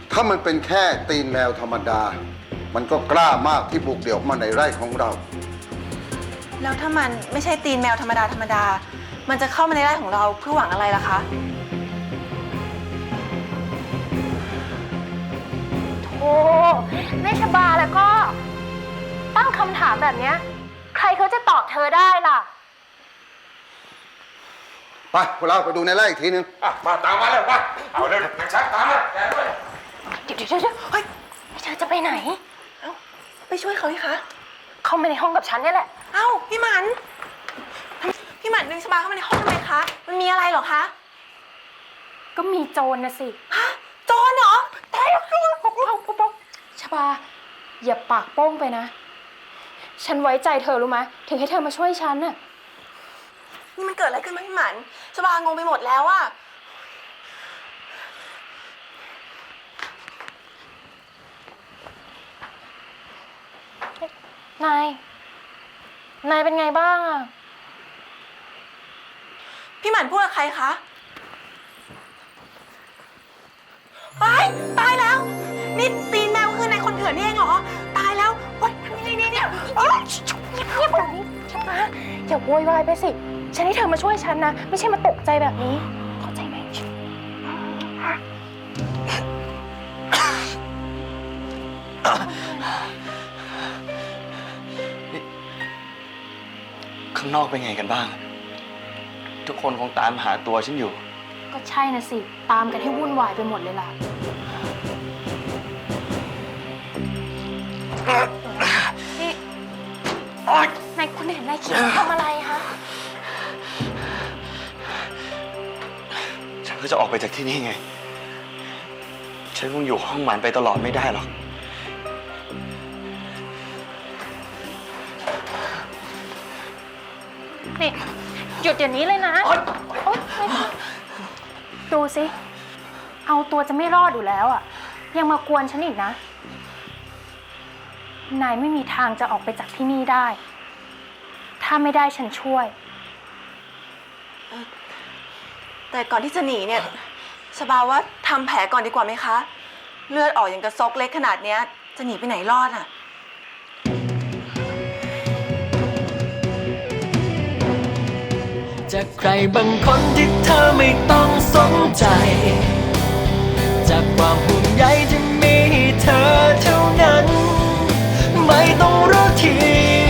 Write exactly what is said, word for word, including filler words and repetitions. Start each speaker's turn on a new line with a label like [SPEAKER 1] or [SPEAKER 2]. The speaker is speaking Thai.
[SPEAKER 1] ถ้ามันเป็นแค่ตีนแมวธรรมดา มันก็กล้ามากที่บุกเดี่ยวมาในไร่ของเรา
[SPEAKER 2] แล้วถ้ามันไม่ใช่ตีนแมวธรรมดาธรรมดา มันจะเข้ามาในไร่ของเราเพื่อหวังอะไรล่ะคะ
[SPEAKER 3] โอ้แม่ชบาแล้วก็ตั้งคำถามแบบเนี้ยใครเขาจะตอบเธอได้ล่ะ
[SPEAKER 1] ไปพวกเราไปดูในไร่อีกทีนึง
[SPEAKER 4] อ่ะมาตามมาเลยมาเอาเร็วนักชักตามมาแกด้วย
[SPEAKER 3] เดี๋ยวเดี๋ยวเดี๋ยวเฮ้ยเธอจะไปไหน
[SPEAKER 2] เอ้าไปช่วยเขาเลยคะ
[SPEAKER 3] เข้ามาในห้องกับฉันนี่แหละ
[SPEAKER 2] เอ้าพี่หมันพี่หมันดึงชบาเข้ามาในห้องทำไมคะมันมีอะไรเหรอคะ
[SPEAKER 3] ก็มีโจรนะสิ
[SPEAKER 2] ฮะโจรเหรอตายแล้ว
[SPEAKER 3] ป๊อกป๊อกป๊อกชบาอย่าปากโป้งไปนะฉันไว้ใจเธอรู้ไหมถึงให้เธอมาช่วยฉันน่ะ
[SPEAKER 2] นี่มันเกิดอะไรขึ้นมาพี่หมันชบางงไปหมดแล้วอะ
[SPEAKER 3] นาย นายเป็นไงบ้างอะ
[SPEAKER 2] พี่หมันพูดกับใครคะตายตายแล้วนี่ตีนแมวคือนายคนเถื่อนนี่เองเหรอตายแล้วโอ๊ยทำยังไงเนี่ยโอ๊ย
[SPEAKER 3] เงียบๆแบบนี้ชบาอย่าโวยวายไปสิฉันให้เธอมาช่วยฉันนะไม่ใช่มาตกใจแบบนี้เข้าใจไหม
[SPEAKER 5] ข้างนอกเป็นไงกันบ้าง ทุกคนคงตามหาตัวฉันอยู่
[SPEAKER 3] ก็ใช่นะสิตามกันให้วุ่นวายไปหมดเลยล่ะนี่นายคุณเห็นนายคิดทำอะไรคะ
[SPEAKER 5] ฉันก็จะออกไปจากที่นี่ไง ฉันคงอยู่ห้องมันไปตลอดไม่ได้หรอก
[SPEAKER 3] นี่หยุดเดี๋ยวนี้เลยนะโอ๊ยดูสิเอาตัวจะไม่รอดอยู่แล้วอ่ะยังมากวนฉันอีกนะนายไม่มีทางจะออกไปจากที่นี่ได้ถ้าไม่ได้ฉันช่วย
[SPEAKER 2] แต่ก่อนที่จะหนีเนี่ยชบาว่าทำแผลก่อนดีกว่าไหมคะเลือดออกอย่างกระซกเล็กขนาดเนี้ยจะหนีไปไหนรอดอะ
[SPEAKER 6] จากใครบางคนที่เธอไม่ต้องสนใจจากความห่วงใยที่มีให้เธอเท่านั้นไม่ต้องรู้ที